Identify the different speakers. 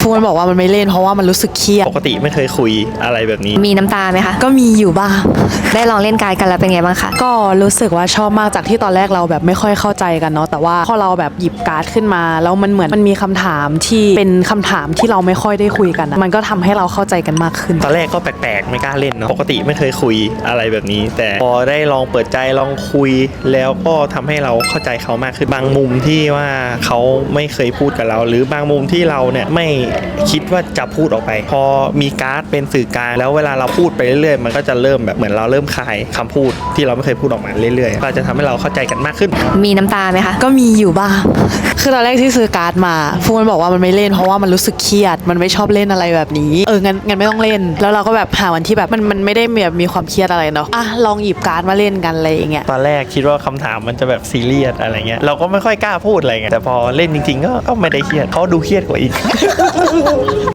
Speaker 1: ฟูมันบอกว่ามันไม่เล่นเพราะว่ามันรู้สึกเครียด
Speaker 2: ปกติไม่เคยคุยอะไรแบบนี้
Speaker 3: มีน้ำตาไหมคะ
Speaker 1: ก็มีอยู่บ้าง
Speaker 3: ได้ลองเล่นการ์ดกันแล้วเป็นไงบ้างคะ
Speaker 1: ก็รู้สึกว่าชอบมากจากที่ตอนแรกเราแบบไม่ค่อยเข้าใจกันเนาะแต่ว่าพอเราแบบหยิบการ์ดขึ้นมาแล้วมันเหมือนมันมีคำถามที่เป็นคำถามที่เราไม่ค่อยได้คุยกันมันก็ทำให้เราเข้าใจกันมากขึ้น
Speaker 2: ตอนแรกก็แปลกๆไม่กล้าเล่นเนาะปกติไม่เคยคุยอะไรแบบนี้แต่พอได้ลองเปิดใจลองคุยแล้วก็ทำให้เราเข้าใจเขามากขึ้นบางมุมที่ว่าเขาไม่เคยพูดกับเราหรือบางมุมที่เราเนี่ยไม่คิดว่าจะพูดออกไปพอมีการ์ดเป็นสื่อกลางแล้วเวลาเราพูดไปเรื่อยๆมันก็จะเริ่มแบบเหมือนเราเริ่มคายคำพูดที่เราไม่เคยพูดออกมาเรื่อยๆก็จะทำให้เราเข้าใจกันมากขึ้น
Speaker 3: มีน้ำตาไหมคะ
Speaker 1: ก็มีอยู่บ้างคือตอนแรกที่ซื้อการ์ดมาฟูมันบอกว่ามันไม่เล่นเพราะว่ามันรู้สึกเครียดมันไม่ชอบเล่นอะไรแบบนี้งั้นไม่ต้องเล่นแล้วเราก็แบบหาวันที่แบบมันไม่ได้แบบมีความเครียดอะไรเนาะลองหยิบการ์ดมาเล่นกันอะไรอย่างเงี้ย
Speaker 2: ตอนแรกคิดว่าคำถามมันจะแบบซีเรียสอะไรเงี้ยเราก็ไม่ค่อยกล้าพูดอะไรเงี้ยแต่พอเล่นจริงๆก็ไม่ได้เครียดเขาดูเครียดกว่าอีก